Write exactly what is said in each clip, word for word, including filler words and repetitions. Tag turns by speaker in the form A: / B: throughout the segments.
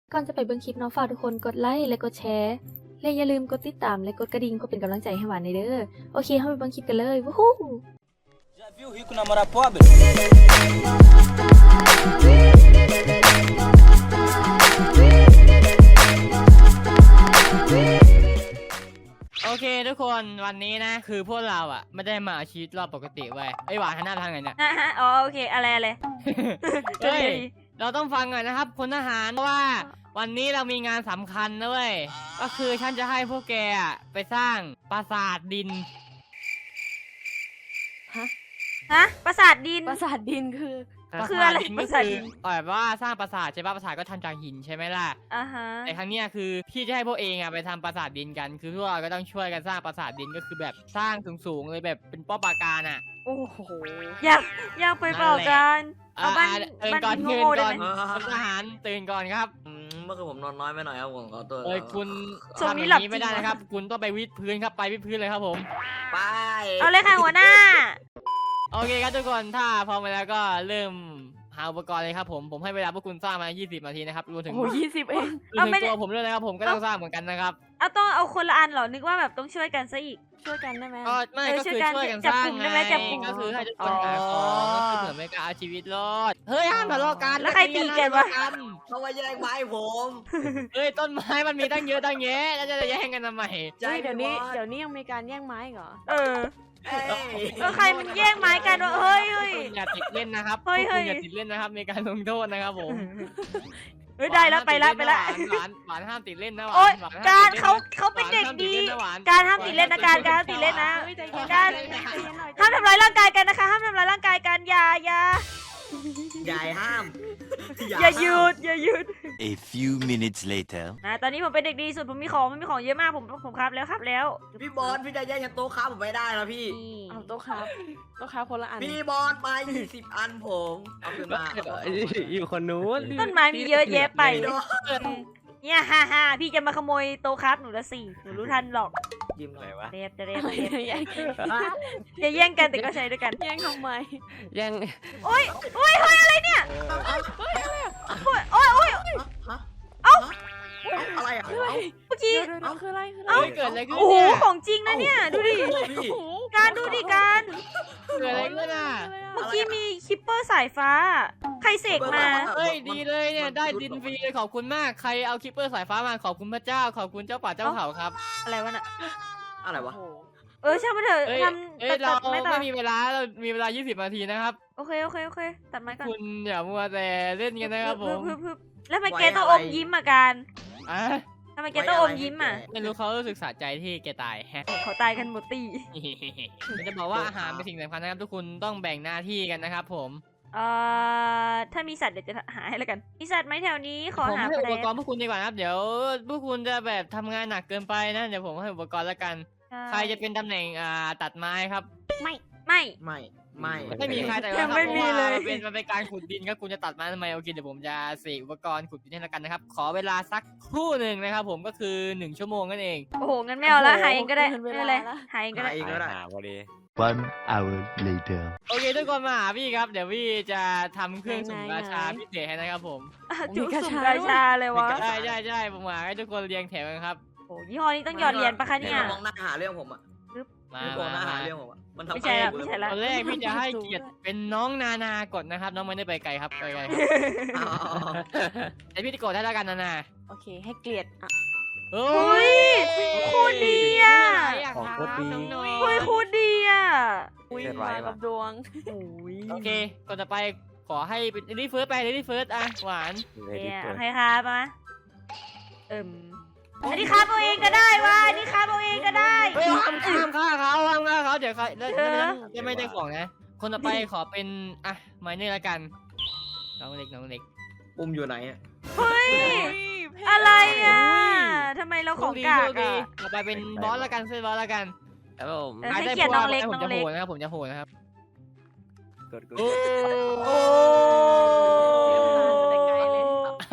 A: ก่อนจะไปเบิ่งคลิปเนาะฝากทุกคนกดไลค์และกดแชร์และอย่าลืมกดติดตามและกดกระดิ่งเพื่อเป็นกำลังใจให้หวานในเด้อโอเคเข้าไปเบิ่งคลิปกันเลยวู้ฮู้
B: Já viu rico namorar pobre?
C: โอเคทุกคนวันนี้นะคือพวกเราอ่ะไม่ได้มาชีวิตรอบปกติเว้ยไอหวานหันหน้าไปทางไหนเนี่ย
D: อ่ะฮะอ๋อโอเคอะไรอะไร
C: เฮ้ยเราต้องฟังก่อนนะครับพลทหารเพราะว่าวันนี้เรามีงานสำคัญนะเว้ยก็คือฉันจะให้พวกแกอ่ะไปสร้างปราสาทดิน
D: ฮะปราสาทดิน
E: ปราสาทดินคือ
D: คืออะไร
C: ดิน
D: ป
C: ก็
D: ราสาท
C: คื
D: ดิ
C: อน แบบว่าสร้างปราสาทใช่ปะปราสาทก็ทำจากหินใช่ไหมล่ะ
D: อ่าฮะ
C: แต่ครั้งเนี้ยคือพี่จะให้พวกเองอ่ะไปทำปราสาทดินกันคือพวกเราก็ต้องช่วยกันสร้างปราสาทดินก็คือแบบสร้างสูงๆเลยแบบเป็นป้อปราการอ่ะ
D: โอ้โหอยากอยากไปเปล่ากันเอาบ้าน
C: ตื่น
D: บ้าน
C: ก่อน
D: ดิน
C: ตื่น
D: โง่ๆได้
C: ก่อน
D: ไหม
C: พลทหารตื่นก่อนครับ
F: อืมเมื่อคืนผมนอนน้อยไปหน่อยครับผมขอตัว
C: เอ้ยคุณ
D: ช่วง
C: ทำอ
D: นี้
C: ย่าง
D: หลับ
C: นี้ไม่ได้
D: จริง
C: นะครับ คุณต้องไปวิดพื้นครับไปวิดพื้นเลยครับผม
F: ไป
D: เอาเลยค่ะหัวหน้า
C: โอเคครับทุกคนถ้าพร้อมไปแล้วก็เริ่มหาอุปกรณ์เลยครับผมผมให้เวลาพวกคุณสร้างมายี่สิบนาทีนะครับรวมถึง
E: โอ้ยี่สิบเอง
C: รวมถึงตัวผมด้วยนะครับผมก็ต้องสร้างเหมือนกันนะครับ
D: เอาต้องเอาคนละอันเหรอนึกว่าแบบต้องช่วยกันซะอีก
E: ช่วยกันได้ไหม
C: ก็ไม่
D: เออ
C: ก็
D: ช่
C: คื
D: วย
C: อ
D: กัน
C: ช่วยกัน
D: จั
C: ส
D: บ
C: ร้าง
D: กลุ่ม
C: ไง
D: ได้ไหมจับกลุ่ม
C: ก็คือให้ทุกคนหาของก็คือเหมือนไม่กล้าเอาชีวิตรอดเฮ้ยห้ามทะเลาะกัน
D: แล้วใครตีกันวะ
F: เขามาแย่งไม้ผม
C: เฮ้ยต้นไม้มันมีตั้งเยอะตั้งแยะแล้วจะแย่งกันทำไม
F: ใจ
E: เฮ้ยเดี๋ยวนี้
F: พี่บอส
E: เดี๋ยวนี้ยังมีการแย่งไม้อีกเหรอ
D: เออ
F: เอ้ย
D: เออใครมันแย่งไม้กันวะเฮ้ยเฮ้ย
C: อย่าติดเล่นนะครับ
D: เฮ้ย
C: พวกคุณ
D: เฮ้ย
C: อย่าติดเล่นนะครับมีการลงโทษนะครับผม
D: เฮ้ยได้แล้วไปละไปละ
C: หวานหวานห้ามติดเล่นนะหวาน
D: โอ๊ย
C: หวานห้ม
D: การ
C: ติดล่นนะ
D: เขาเขาเป็นเด็กดี
C: หวาน
D: การห้ามติดเล่นนะการการห้ามติดเล่นนะ
E: เฮ้ยใจเย็น
D: การ
E: ใจเย็นใจเย็นหน่อย
D: ห้ามทำร้ายร่างกายกันนะคะห้ามทำร้ายร่างกายกันอย่าอย่า
F: ใหญ่ห้าม
D: อย่าหยุดอย่าหยุด
G: A few minutes later.
D: นะตอนนี้ผมเป็นเด็กดีสุดผมมีของผมมีของเยอะมากผมผมครับแล้วครับแล้ว
F: พี่บอลพี่จะแย่งยันโต๊ะค้าผมไม่ได้นะพี่
D: นี่
E: เอาโต๊ะครับโต๊ะครับคนละอัน
F: พี่บอลมายี่สิบอันผมเอาคืนมา
H: อยู่คนนู้น
D: ต้นไม้มีเยอะแยะไป
F: พี่โดน
D: เนี่ยฮ่าฮ่าพี่จะมาขโมยโต๊ะครับหนูละสี่หนูรู้ทันหรอก
F: ยิ้มหน่อยวะ
D: เรียบจะเรียบ
E: อะไร
D: เรียบ
E: แย่ง
D: อย่าแย่งกันแต่ก็ใช้ด้วยกัน
E: แย่งทำไม
H: ยัง
D: โอ้ยโอ้ยเฮ้ยอะไรเนี่ยโอ้ยโอ้ยโอ้ย
F: อะไรอ่ะ
E: คืออะไร
D: เมื่อกี้
E: เดี๋ยวเดี๋ยวคืออะไรคืออะไร
C: เฮ้ยเกิดอะไรขึ้น
D: โอ้โห
C: เนี่ย
D: ของจริงนะเนี่ยดูดิ
F: พี่
D: การดูดิการ
C: เกิดอะไรขึ้นอ่ะ
D: เมื่อกี้มีคิปเปอร์สายฟ้า ใครเสกมา
C: เฮ้ยดีเลยเนี่ยได้ดินฟรีเลยขอบคุณมากใครเอาคิปเปอร์สายฟ้ามาขอบคุณพระเจ้าขอบคุณเจ้าป่าเจ้าเขาครับ
D: อะไรวะน่ะ
F: อะไรวะ
E: โอ้โห
D: เออช่างมันเถอะ
C: เอ้ย
D: ท
C: เอ้
D: ำตั
C: ย
D: ด
C: เรา
D: ตัดไม่ต่อ
C: ไม่มีเวลาเรามีเวลายี่สิบนาทีนะครับ
D: โอเคโอเคโอเคตัดไม้ก่อน
C: คุณอย่ามัวแต่เล่นกันนะครับผม
D: พึบพึบพึบแล้วทำไมแกต้องอมยิ้มอ่ะการ
C: อ่ะ
D: ทำไมแกต้องอมยิ้มอ่ะ
C: ไม่รู้เขารู้สึกสะใจที่แกตายแฮะ
D: เขาตายกันหมดตี
C: ผมจะบอกว่าอาหารเป็นสิ่งสำคัญนะครับทุกคนต้องแบ่งหน้าที่กันนะครับผม
D: เอ่อถ้ามีสัตว์เดี๋ยวจะหาให้แล้วกัน มีสัตว์ไหมแถวนี้ขอ
C: ผม
D: หา
C: ให้
D: แป
C: อุ
D: ล
C: ปกรณ์พวกคุณดีกว่านะครับเดี๋ยวพวกคุณจะแบบทำงานหนักเกินไปนะเดี๋ยวผมให้อุปกรณ์แล้วกัน ใครจะเป็นตำแหน่งอ่าตัดไม้ครับ
D: ไม่
F: ไม่ไม่
C: ไม่มีใครแต่
D: ยังไม่มีเลย
C: มันเป็นมันเป็นการขุดดินครับคุณจะตัดไม้ทำไมโอเคเดี๋ยวผมจะเสกอุปกรณ์ขุดดินให้แล้วกันนะครับขอเวลาสักครู่หนึ่งนะครับผมก็คือหนึ่งชั่วโมงนั่นเอง
D: โอ้โหงั้นไม่เอาละหาเองก็ได้ไม่เป็นไรหาเองก็ได้
F: หาเองก็ได้
H: หาพอดี
G: One hour later.
C: โอเคทุกคนมาหาพี่ครับเดี๋ยวพี่จะทำเครื่องสุ่มราชาพิเศษให้นะครับผม
D: จุกสุ่มกาชาเลยวะ
C: ใช่ใช่ใช่ผมหาให้ทุกคนเรียงแถวกันครับ
D: โอ้ยี่ห้อนี้ต้องหยอดเหรียญปะคะเนี่ย
F: มองหน้าหาเรื่องผมอ่ะ
C: มา
F: พี่โกงหน้า
C: มา
F: หาเรื่องผมอ่ะมันทำ
D: ไม่ใช่ละไม่ใช่ละ
C: ตอนแรกพี่จะให้เกียรติเป็นน้องนานากดนะครับ น้องไม่ได้ไปไกลครับไปไกลครับ
F: อ๋อ
C: แต่พี่จะกดได้แล้วกันนานา
E: โอเคให้เกลียดอ่ะ
C: โอ้
D: อุ้ยโคตรดีอ่ะ
H: ของโคตรดี
C: น้อง
D: เฮ้ยโคตรดีอ่ะ
E: อุ้ย
H: เกิดไว้
E: มา
H: ปะ
E: กับดวง
D: โอ้ย
C: โอเคก่อนจะไปขอให้เป็นรีเฟิร์สไปรีเฟิร์สอ่ะหวาน
D: เนี่ยโอเคครับมาเอิ่มอันนี้ครับเอาเองก็ได้วะอันนี้ครับเอาเองก็ได้
C: เฮ้ยห้ามห้ามฆ่าเขาห้ามฆ่าเขาเดี๋ยวเขาแล้ว
D: เออ
C: จะไม่ได้ของนะ คนต่อไปขอเป็นอ่ะไมเนอร์ละกันน้องเล็กน้องเล็ก
F: ปุ่มอยู่ไหนอ่ะ
D: เฮ้ยอะไรอ่ะทำไมเราของกาก
C: โชคดี
D: อ่ะ
C: ต่อไปเป็นบอสละกันเซนบอสละกัน
H: ครับผม
D: เออให้เกียรติน้องเล็ก
C: ผม
D: น้อง
C: จะ
D: เล็
C: โห
D: ก
C: ดนะครับผมจะโหดนะครับ
H: กดกด
C: โอ้
D: โอ้
C: เ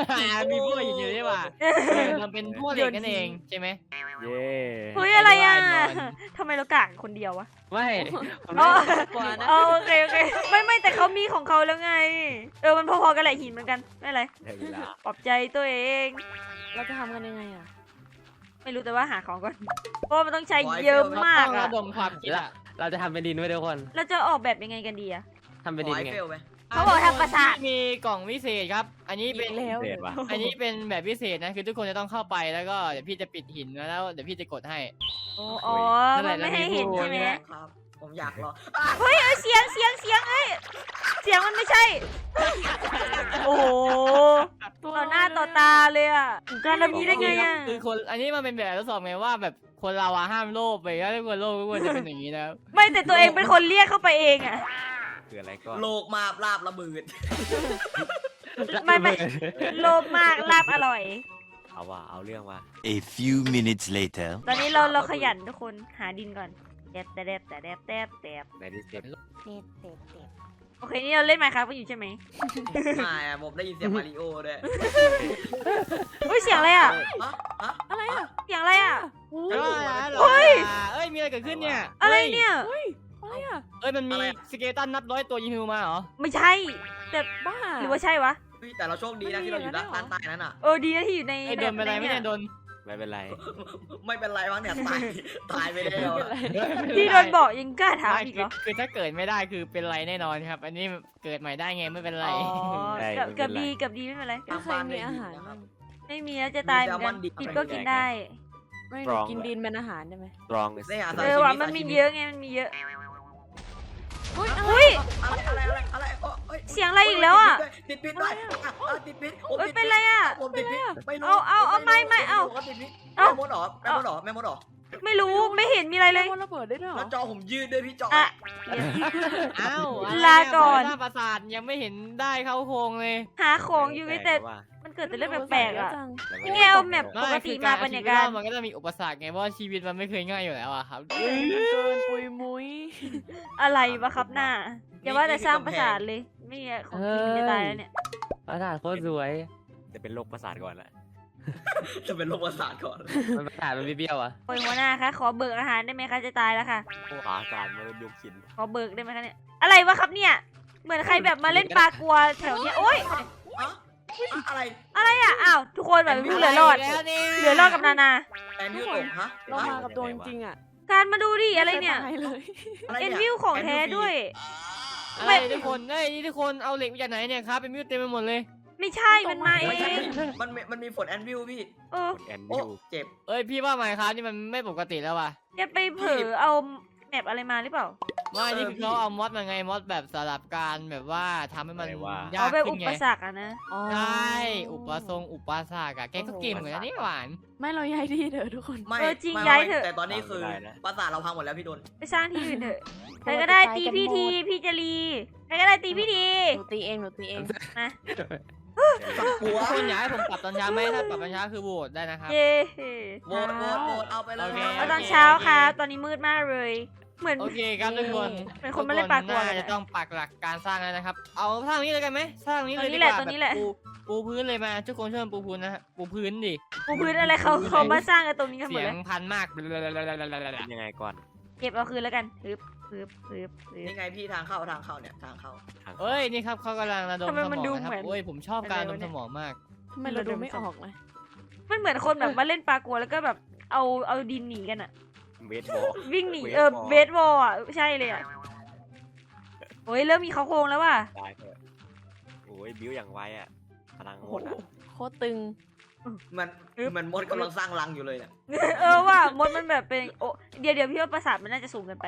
C: มีพวกหินอยู่ด้วยว่ะมันเป็นพวกเหล็กนั่นเองใช่ไหม
H: เย้
D: เฮ้ยอะไรอ่ะ
C: นอน
D: ทำไมเรากากคนเดียววะ
H: ไม่ผม
D: อ๋อ
E: กว่านะ
D: เอาโอเคโอเคไม่ไม่แต่เขามีของเขาแล้วไง เออมันพอๆกันแหละหินเหมือนกันไม่เป็นไร
H: ได้เวลา
D: ปลอบใจตัวเอง
E: เราจะทำกันยังไงอ่ะ
D: ไม่รู้แต่ว่าหาของก่อนเพราะมันต้องใช้เยอะมาก
C: ต้อง
D: อะ
C: ระดมความคิดอะ
H: เราจะทำเป็นดินไว้ทุกคน
D: เราจะออกแบบยังไงกันดีอะ
H: ทำเป็น
F: ข
H: ดิ
F: อน ไอ
H: ไง
F: เฟลไหม
D: เขาบอกทำปราสาท
C: มีกล่องวิเศษครับ อันนี้เป็น
E: อีกแล้ว
H: เศษว่ะ
C: อันนี้เป็นแบบพิเศษนะคือทุกคนจะต้องเข้าไปแล้วก็เดี๋ยวพี่จะปิดหินแล้วเดี๋ยวพี่จะกดให้
D: อ๋ออ๋อ
C: นั่นแห
D: มัน
C: ละ
D: ไม่ให้เห็นใช่ไหม
F: ครับ ผมอยากรอ
D: เฮ้ยเอ้ยเสียงเสียงเสียงเอ้ยเสียงมันไม่ใช่ โอ้โหต่อหน้าต่อตาเลยอะการทำนี้ได้ไงอะ
C: คือคนอันนี้มันเป็นแบบทดสอบไงว่าแบบคนเราอะห้ามโลภไปถ้าคนโลภก็ควรจะเป็นอย่างนี้นะครับ
D: ไม่แต่ตัวเองเป็นคนเรียกเข้าไปเองอะ
H: คืออะไรก่อน
F: โลกมาบลาบระเบิด
D: ไม่ไม่โลภมากลาบอร่อย
H: เอาว่ะเอาเรื่องว่ะ
G: A few minutes later.
D: ตอนนี้เราเราขยันทุกคนหาดินก่อนแดบแต่แดบแต่แดบแดบแดบ
H: ในที่เสร็จ
D: โอเคนี่เราเล่นไมค์ครับกันอยู่ใช่ไหม
F: ไม่อะผมได้ยินเสียงมาริโอด้วย
D: เฮ้ยเสียงอะไรอะ
F: ฮะฮะ
E: อะไรอ่ะ
D: เสียงอะไรอะ
E: โอ้
C: เฮ้
E: ย
C: ย
D: เฮ้ย
C: เอ้ยมีอะไรเกิดขึ้นเนี่ย
D: อะไรเนี่ย
E: อะไรอ่ะ
C: เอ้ยมันมีสเกตันนับร้อยตัวยิงธนูมาเหรอ
D: ไม่ใช่แต่
E: บ้า
D: หรือว่าใช่วะ
F: เฮ้ยแต่เราโชคดีนะที่เราอยู่ด้านด้านใต้นั้นอ่ะ
D: เออดีนะที่อยู่ใน
C: ไอ้โดนเป็นไรไม่ได้โดน
H: ไม่เป็นไร
F: ไม่เป็นไรมั้งเนี่ยตายตายไปแล้ว
D: ที่โดนบอกยังกล้าถาม
C: ไม่
D: อีก
C: คื
D: เหร
C: อ
D: อ
C: คือถ้าเกิดไม่ได้คือเป็นไรแน่นอนครับ อันนี้เกิดใหม่ได้ไงไม่เป็นไร
D: อ๋อ
H: ได้
D: กับ
H: ไม่เป็
D: กับ
H: นไร
D: ดีกับดีไม่เป็นไร
E: ไม่เคยมีอาหารบ้าง
D: ไม่มีแล้วจะตายเหมือนกันกินก็กินได้
E: ไม่
H: ตรอง
E: กินดินเป็นอาหารได้ไหม
H: ตรอง
F: ได้หา
D: เออว่ะมันมีเยอะไงมันมีเยอะ
E: เฮ้ย
D: อุ้ย
F: อะไรอะไรอะไรอะไรโอ้ย
D: เสียงอะไรอีกแล้วอ่ะ
F: ติดพิษด้วยติดพิษ
D: เอ้ยเป็นไรอ่ะ
F: ผมติดพิษไม่รู้
D: เอาเอาเอาไม่ไม่เอา
F: ติดพิษ
D: เอา
F: แม่มดหรอแม่มดหรอแม่มดหรอ
D: ไม่รู้ไม่เห็นมีอะไรเลย
E: มันระเบิดได้ด้วยเหร
F: แล้
E: อ
F: วจอผมยืดด้วยพี่จอ
D: อ่ะ
C: อ้าวอะไร
D: ลาก่อน
C: หน้าปราสาทยังไม่เห็นได้เข้าโครงเลย
D: หาของอยู่แต่
H: ว่า
D: มันเกิดแต่เรื่องแปลกๆอ่ะ
E: จัง
D: นี่ไงเอาแมปปกติ
C: คือ
D: มา
C: การ
D: บรรยา
C: เอาชีวิต
D: การ
C: รอดมันก็จะมีอุปสรรคไงเพราะว่าชีวิตมันไม่เคยง่ายอยู่แล้วอะครับ
E: เกินปุยมุ้ย
D: อะไรวะครับหน้าอย่าว่าแต่สร้างปราสาทเลยไม่มีของกินจะตายแล้วเนี่ย
H: ประสาทโคตรสวย จะเป็นโรคประสาทก่อนละ
F: จะเป็นโรคประสาทก่อน
H: มันประสาทมันเบี้ยวๆอ่ะ
D: โอ้ยหัวหน้าคะขอเบิกอาหารได้ไหมคะจะตายแล้วค่ะ
H: ขาการมันยุบขิน
D: ขอเบิกได้ไหมคะเนี่ยอะไรวะครับเนี่ย เหมือนใครแบบมาเล่นปลากลัวแถวเนี้ยโอ๊ย
F: อะไร
D: อะไรอ่ะอ้าวทุกคนแบบผู้เหลือรอด
C: แล้วเนี่ย
D: เหลือรอดกับนานา
F: แอนวิวตกฮะ
E: เรามากับตัวจริงๆอ่ะ
D: การมาดูดิอะไรเนี่ย
E: ม่คตาเลย
D: เอ็นวิวของแท้ด้วย
C: อะไรทุกคนเอ้ยนี่ทุกคนเอาเหล็กมาจากไหนเนี่ยครับเป็นมิวเต็มไปหมดเลย
D: ไม่ใช่มันมาเอ
F: ไม่ใช่
D: ง
F: มันมันมีฝนแอนวิวพี่
D: เออ
H: แอน
F: โอ้
H: วิว
F: เจ็บ
C: เอ้ยพี่ว่าไหมครับนี่มันไม่ปกติแล้วว่ะ
D: จะไปเผลอเอาแมปอะไรมาหรือเปล่า
C: ว่านี่คือเขาเอามอดมาไงมอดแบบสลับการแบบว่าทำให้มันยา
D: เอา
C: ก
D: ไป
C: ขึ้
D: อุ
C: นไง
D: ปสรรคอะนะ
E: อ๋อ
C: ใช่อุปสงค์อุปสรรคอะแกก็เก่งเหมือนกันนี่หวาน
E: ไม่เราย้ายที่เถอะทุกคน
F: ไม่
D: เออจริง
F: ไม่
D: ย้ายเถอะ
F: แต่ตอนนี้คือประสาทเราพังหมดแล้วพี่โดน
D: ไปสร้างที่อื่นเถอะใครก็ได้ตีพี่ทีพี่จะรีใครก็ได้ตีพี่ที
E: หนูตีเองหนูตีเอง
D: มา
F: หัว
C: ทุกคนอยากให้ผมปรับตอนเช้าไหมถ้าปรับตอนเช้าคือโหวตได้นะครับ
D: เย้
F: โหวตโหวตโหวตเอาไปเลย
C: โอเค
D: เอาตอนเช้าครับตอนนี้มืดมากเลย เหมือน
C: โอเคครับทุกคน
D: เป็นคนมาเล่นปลากลัว
C: ทุ
D: กัน
C: น่า
D: อะ
C: จะต้องปักหลักการสร้างแล้วนะครับ เอาสร้างนี้เลยกันไหมสร้างนี้เลย
D: ตรงนี้
C: ดี
D: แห
C: ก
D: ละ
C: ว่า
D: ตรงนี้แหละ
C: แบบปูปูพื้นเลยมาทุกคนช่วยกันปูพื้นนะฮะปูพื้นดิ
D: ปูพื้นอะไรเขาเขามาสร้างกันตรงนี้กันหม
C: เสี
D: ด
C: ย
D: เล
C: ง
D: ย
C: พันมาก
H: เป็นยังไงก่อน
D: เก็บเอาคืนแล้วกันฮึบฮึบฮึบฮึบ
F: นี่ไงพี่ทางเข้าทางเข้าเนี่ยทางเข้า
H: ทาง
C: เอ้ยนี่ครับเขากำลังระดม
D: ทำไม
C: ส
D: มัน
C: ม
D: ดู
C: องนะครั
D: เหมือบ น
C: โอ้ยผมชอบการ
D: อะไร
C: ระด
D: วะ
C: ม
D: เนี่ย
C: สมองมาก
E: ทำไมเราดูไม่ออกเลย
D: มันเหมือนคนแบบมาเล่นปลากลัวแล้วก็แบบเอาเอาดินหนีกันอะ
H: เวทบอล
D: วิ่งหนี
H: เวท
D: เออบ
H: อล
D: เบสบอลอะใช่เลยอะโอ้ยเริ่มมีเขาโครงแล้วว่ะ
H: ได้เถอะโอ้ยบิ้วอย่างไวอ่ะพลังหมดอ่ะ
E: โคตรตึง
F: มันมันมดกำลังสร้างรังอยู่เลยเนี่ย
D: เออว่ามดมันแบบเป็นโอ้เดี๋ยวเดี๋ยวพี่ว่าประสาทมันน่าจะสูงเกินไป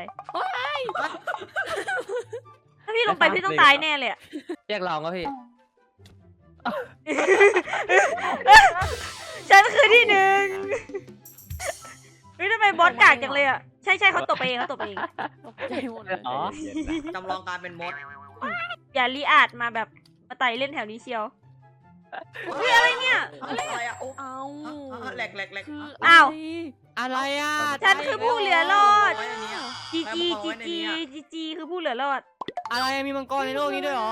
D: ถ้าพี่ลงไปพี่ต้องตายแน่เลยอะ
H: เรียกลองก็พี่
D: ฉันคือที่หนึ่งเฮ้ยทำไมบอสกากจังเลยอะใช่ใช่เขาตบไปเองเขาตบไปเอง
E: ตกใจหมดเลย
H: อ๋อ
F: จำลองการเป็นมด
D: อย่ารีอาดมาแบบมาไต่เล่นแถวนี้เชียวเฮ้ยอะไรเนี่ย
F: อะไรอะโอ้
E: เอา
F: แหลกแหลกแหลก
E: คือ
D: อ้าว
C: อะไรอ่ะ
D: ฉันคือผู้เหลือรอด
F: ไว้ในนี้อะ
D: จีจีจีจีจีจีคือผู้เหลือรอด
C: อะไรมีมังกรในโลกนี้ด้วยเหรอ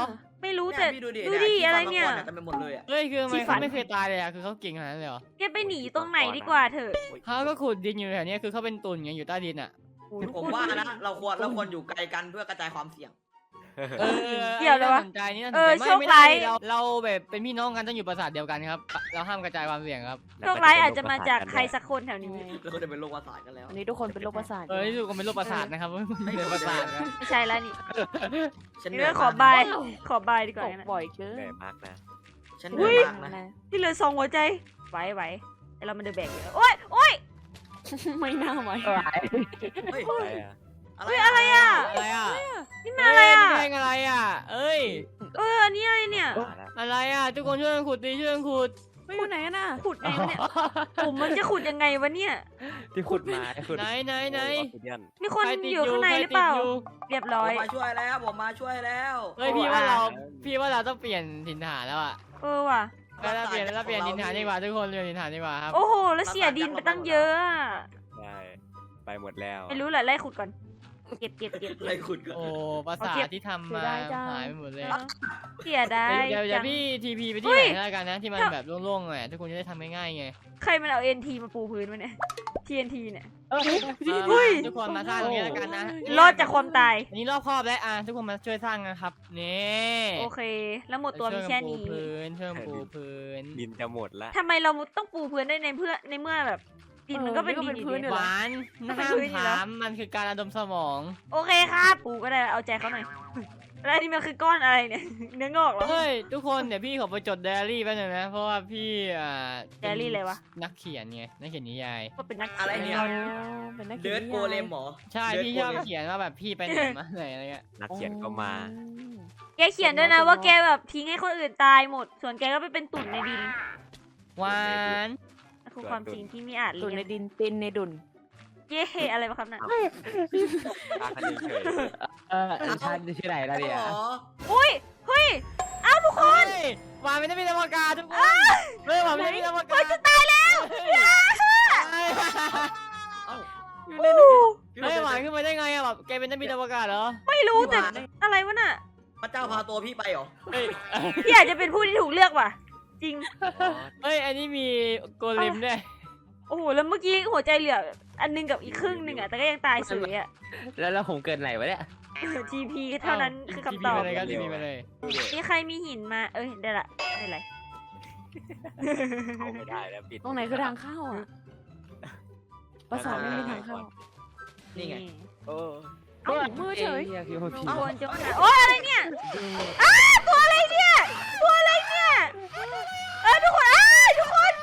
D: ไม่รู้
F: เนี่ย
D: แต่
F: พี่ดูดิ
D: ดู
F: เนี่ย
D: ดิ
F: ที่
D: อะไร
F: ฟัง
D: เนี่ย
F: มาก่อเต็มไปหมดเลยอ่ะ
C: เฮ้ยคือทำไม
D: ที่ฝั
C: เขา
D: น
C: ไม่เคยตายเลยอ่ะคือเขาเก่งขนาดนั้นเลยเหรอ
D: แกไปหนีตรงไหนดีกว่าเถอะ
C: เขาก็ขุดดินอยู่แถวเนี้ยคือเขาเป็นตุ่นไงอยู่ใต้ดินอ่ะ
F: ผมว่านะเราควรเราควรอยู่ไกลกันเพื่อกระจายความเสี่ยง
C: เออ
D: เกี่ยวเลยวะ
C: น่าสนใจนี่น่าสน
D: เอ
C: ใจ
D: อ
C: ไม่
D: โชค
C: ไม่
D: ร้า
C: ได้
D: ย
C: เราเราแบบเป็นพี่น้องกันต้องอยู่ปราสาทเดียวกันครับ เราห้ามกระจายความเสี่ยงครับ
D: โชคร้ายอาจจะมาจากใครสักคนแถวนี้
F: เราก็จะเป็นโรคประสาทกันแล้ว
E: อันนี้ทุกคนเป็นโรคประสาท
C: เออที่สุดก็เป็นโรคประสาทนะครับไม่เป็นประสาทนะ
D: ไม่ใช่แล้วนี่
F: ฉันเห
D: นี่
F: นื่อ
D: ก็
F: ย
D: ขอ
F: มาก
D: บายขอบายดีก
E: ต
D: ว่าก นะ
E: บ่อยเกิน
H: เหนื่อยมากนะ
F: ฉันเหนื่อยมากนะ
D: ที่เหลือสองหัวใจไหวไหวแต่เรามันเดือแบกอยู่โอ๊ยโอ๊ย
E: ไม่น่าไหว
F: เฮ้ย
H: อะไรอะ
F: อะไร
D: เฮ้ยอะไรอ่ะ
C: อะไรอ่ะ
D: นี่มันอะไรอ่ะ
C: เฮ้ยนี่เพลงอะไรอ่ะ เอ้ย
D: เอออันนี้อะไรเนี่ย
H: มาแล้ว
C: อะไรอ่ะทุกคนช่วยกันขุดดีช่วยกันขุด
E: พูดไหนกันน่ะ
D: ขุดไงวะเนี่ยผมมันจะขุดยังไงวะเนี่ย
H: ที่ขุดมาขุด
C: ไหนไหนไหน
H: ออสซิเดียน
D: มีคน
C: ใรติด
D: อยู่ข้างในหรือเปล่า
C: ใคติดยู่
D: เรียบ
F: ผ
D: ร้อ
F: ม
D: ย
F: มาช่วยแล้วผมมาช่วยแล้ว
C: เฮ้ยพี่ว่าเราพี่ว่าเราต้องเปลี่ยนถิ่นฐานแล้วอ่ะ
D: เออว่ะ
C: แล้วเราเปลี่ยนแล้วเราเปลี่ยนถิ่นฐานดีกว่าทุกคนเปลี่ยนถิ่นฐานดีกว่าครับ
D: โอ้โห แล้วเสียดินไปตั้งเยอะอะ
H: ได้ไปหมดแล้ว
D: ไม่รู้แหละไล่ขุดก่อน เก็บเก็บเก็บ
F: อะไรขุดกัน
C: โอ้ภาษาทที่ทำมาหายไปหมดเลย
D: เสียดาย
C: เดี๋ยวเดี๋ยว
D: จัง
C: พี่ทีพีไปที่
D: เฮ้
C: ไหน
D: ย
C: แล้วกันนะที่มันแบบโล่งๆหน่อยทุกคนจะได้ทำง่ายๆไง
D: ใครมันเอา เอ็น ที มาปูพื้นวะเนี่ย ที เอ็น ที เนี่ย
C: มา
D: เฮ้ย
C: ทุกคนมาสร้างตรงนี้แล้วกันนะ
D: รอดจากความตาย
C: อันนี้รอบครอบแล้วอ่ะทุกคนมาช่วยสร้างนะครับนี่
D: โอเค แล้วหมดตัวมีแค่นี้
C: ช่วยกันปูพื้นช่วยกันปูพื้น
H: ดินจะหมดละ
D: ทำไมเราต้องปูพื้นได้ในเพื่อในเมื่อแบบดินมันก็เป็นดินอยู่ดี
C: หวาน
D: ก็เป็น
C: ห้าม
D: พื้นอยู่แล้ว
C: ถามมันคือการระดมสมอง
D: โอเคครับปูก็ได้เอาใจเขาหน่อยแล้วนี่มันคือก้อนอะไรเนี่ย เนื้องอกเหรอ
C: เฮ้ยทุกคนเดี๋ยวพี่ขอไปจดไดอารี่แป๊บนึงนะเพราะว่าพี่อ่า
D: ไดอารี่อะไรวะ
C: นักเขียนไงนักเขียนนิยาย
D: ก็เป็นนัก
F: อะไร
D: ขี
F: เนี่ย
E: เป็นนักขี
F: เดิ
E: ย
F: ร์ด
E: น
F: โกเลมหมอ
C: ใช่
F: เดิน
C: พี่
F: โก
C: ชอบ
F: เลม
C: เขียนว่าแบบพี่ไปไหนมาไหนอะไรเงี้ย
H: นักเขียนก็มา
D: แกเขียนด้วยนะว่าแกแบบทิ้งให้คนอื่นตายหมด ส่วนแกก็ไปเป็นตุ่นในดิน
C: หวาน
D: นั่นคือความจริงที่ไม่อาจ
E: ตุ่
D: เลี่
E: น
D: ย
E: ใน
D: ง
E: ดินเป็นในดุน
D: เย้อะไรวะครับน่ะ
H: ตาคันเฉย
I: เออฉันชื่อไหนแล้วเนี่ย
F: อ๋อ
D: อุ้ยเฮ้ยเอ้าทุกคน
C: เฮ้ยหวานไม่ได้เป็นอวกาศทุกคนเฮ้ยหวานไม่ได้เป็นอวกาศ
D: จะตายแล้ว
F: เอ้า
D: โอ้
C: เฮ้ยหวานขึ้นมาได้ไงอะแบบแกเป็นนักบินอวกาศเหรอ
D: ไม่รู้แต่อะไรวะน่ะ
F: พระเจ้าพาตัวพี่ไปเหรอ
C: เฮ้ย
D: พี่อาจจะเป็นผู้ที่ถูกเลือกว่ะ จริง
C: เฮ้ยอันนี้มีโกเลมด้วย
D: โอ้โหแล้วเมื่อกี้หัวใจเหลืออันหนึงกับอีกครึ่งหนึ่งอ่ะแต่ก็ยังตายสวยอ่ะ
I: แล้วแล้วผมเกินไหนวะเนี่ย
D: จีพี เท่านั้นคือคำตอบ
C: ทีพีไปเลยครับทีพีไปเลย
D: นี่ใครมีหินมาเอ้ยได้ละได้ไร
H: เอาไม่ได้แล้วปิด
E: ตรงไหนคือทางเข้าอ่ะประสาทไม่มีทางเข้า
F: นี่ไง
H: โอ้
E: เอ้ามือเฉย
I: เคือว่าผี
D: ทุกคนจะมาโอ้ยอะไรเนี่ยอ้าตัวอะไรเนี่ย ตัวอะไรเนี่ยเอ้ยทุกคนอ้าทุกคน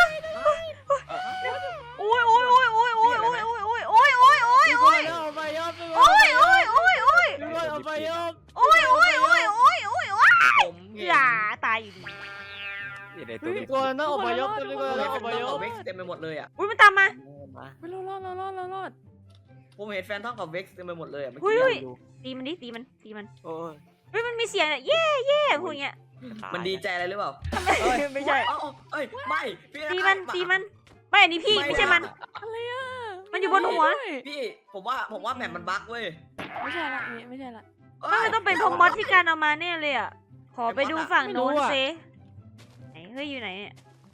D: โอ้ยโอ้ยโอ้ยโอ้ยโอ้ยโอ้ยโอ้ยโอ้ยโอ้ยโอ้ยโอ้ย
C: ทุก
D: โอ้
C: คน
D: ย
C: เอาไปยอบทุกค
D: โอ้
C: น
D: ยโอ้ยโอ้ยโอ้ย
C: ทุกคนเอาไปยอบ
D: โอ้ยโอ้ยโอ้ยโอ้ยโอ้ยโอ้ย
F: ผมเห็น
D: อย่าตายอยู่ดี
H: ยในตัว
C: ทุกคนต้องเอาไปยอบทุกคน
F: เฮ้
C: ต้
F: ย
C: อง
F: เป็
C: เอา
F: น
C: ไป
F: ท่อง
C: ยอ
F: กับบ เว็กซ์เต็มไปหมดเลยอ่ะ
D: อุ้ยมันตามมา
H: มา
E: ไปรอดรอดรอดรอดรอดรอด
F: ผมเห็นแฟนท่องกับเว็กซ์เต็มไปหมดเลยอ่ะเมื่อ
D: เฮ้ย
F: กี้
D: เฮ้ย
F: ดู
D: ตีมันดิตีมันตีมัน
H: โอ้ย
D: เฮ้ยมันมีเสียงอะเย่เย่พูดอย่างเงี้ย
F: มันดีใจอะไรหรือเปล่า
D: ไม่ใช่
F: เอ้าเอ้ยไม่พี่
D: ตีมันตีมันไม่อันนี้พี่ไม่ใช่มัน
E: อะไรอ่ะ
D: มันอยู่บนหัว
F: พี่ผมว่าผมว่าแมปมันบั๊กเว้ย
E: ไม่ใช่ละไม่ไม่ใช่ละ
F: เอ้ย
D: มันต้องเป็นพมอสที่การเอามาแน่เลยอ่ะขอไปดูฝั่งโน้นเซไหนเฮ้ยอยู่ไหนเนี่ย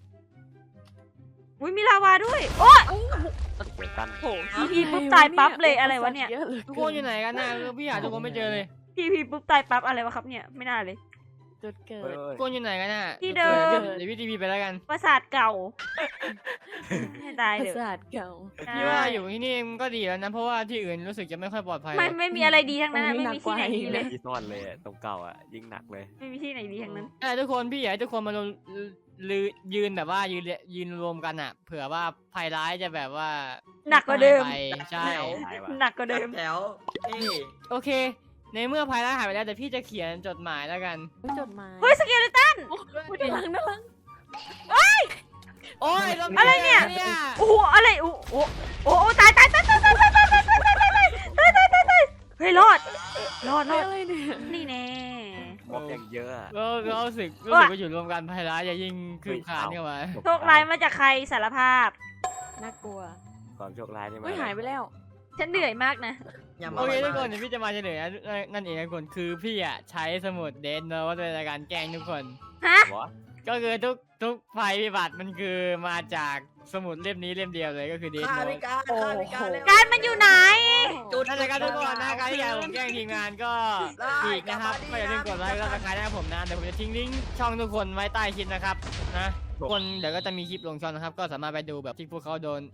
D: อุ้ยมีลาวาด้วยโอ้
H: เกี่ยวกัน
E: โอ้
D: ทีพีปุ๊บตายปั๊บเลยอะไรวะเนี่ย
C: ทุกคนอยู่ไหนกันนะคือพี่หาทุกคนไม่เจอเลย
D: ทีพีปุ๊บตายปั๊บอะไรวะครับเนี่ยไม่น่าเลย
E: จุดเกิ
H: เฮ้ย
E: ด
C: ทุกคนอยู่ไหนกันน่ะ
D: ที่เดิม
C: เดี๋ยวพี่ทีพีไปแล้วกัน
D: ปราสาทเก่าให้ตาย
E: ประ
D: เถอะ
E: สาทเก่า
C: พี่ว่าอยู่ที่นี่มันก็ดีแล้วนะเพราะว่าที่อื่นรู้สึกจะไม่ค่อยปลอดภัย
D: ไม่ไม่มีอะไรดีทั้งนั้นอะไม่มีที่ไหนดีเลย
H: ที่ซ่อนเลยอะตรงเก่าอ่ะยิ่งหนักเลย
D: ไม่มีที่ไหนดีทั้งนั้น
C: ใช่ทุกคนพี่อยากให้ทุกคนมารวมลือยืนแบบว่ายืนยืนรวมกันอ่ะ เผื่อว่าภัยร้ายจะแบบว่า
D: หนักกว่าเดิม
C: หายไปใช่
H: หายว่ะ
D: หนักกว่าเดิม
F: แถวเอ้ย
C: โอเค ในเมื่อภัยร้ายหายไปแล้วแต่พี่จะเขียนจดหมายแล้วกัน
E: จดหมาย
D: เฮ้ยสเกเลตัน
E: ด้านหลังด้านหลัง
C: โอ้ย
D: อะไรเนี่ย
C: เนี่ย
D: โอ้โหอะไรโอ้โหโอ้โหตายตายตายตายตายตายตายตายตายตายตายตายตายตายตายเฮ้ยรอดรอดรอด
E: อะไรเนี่ย
D: นี่แน่
H: ม็อบอย่างเยอะอะ
C: ก็ก็รู้สึกรู้สึกว่าอยู่รวมกันภัยร้ายจะยิ่งคืบคลานเข้ามา
D: โชคร้ายมาจากใครสารภาพ
E: น่ากลัว
H: ความโชคร้ายนี่มา
E: เฮ้ยหายไปแล้ว
D: ฉันเหนื่อยมากนะ
F: อย่ามา
C: โอเค
F: บ่
C: ทุ
F: ย
C: กคน
F: ๆ
C: เดี๋ยวพี่จะมาเฉลยนะนั่นเองนะทุกคนคือพี่อ่ะใช้สมุดเดนเนอะว่าเป็นการแกล้งทุกคน
D: ฮะ
H: วะ
C: ก็คือทุกทุกภัยพิบัติมันคือมาจากสมุดเล่มนี้เล่มเดียวเลยก็คือเดน
F: ฆ่า
C: โน
F: พิการฆ่าพิการเร็ว
D: การมันอยู่ไหน
F: จุด
C: นั่นแหละครับทุกคนนะการที่อยากผมแกล้งทีมงานก็
F: ได้
C: อีกนะครับ
F: กลับ
C: ก็
F: มา
C: อย่าลืม
F: ดี
C: กดไลค์
F: นะ
C: แล้วก็กดให้ผมนะเดี๋ยวผมจะทิ้งลิงก์ช่องทุกคนไว้ใต้คลิปนะครับนะทุกคนเดี๋ยวก็จะมีคลิปลงช่องนะครับก็สามารถไปดูแบบที่พวกเขาโดน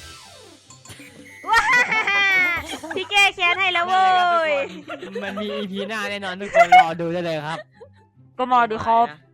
D: พี่แก้แค้นให้แล้วเว้ย
C: มันมี อี พี หน้าแน่นอนทุกคนรอดูได้เลยครับ
D: ก็มาดูครับ
F: นะ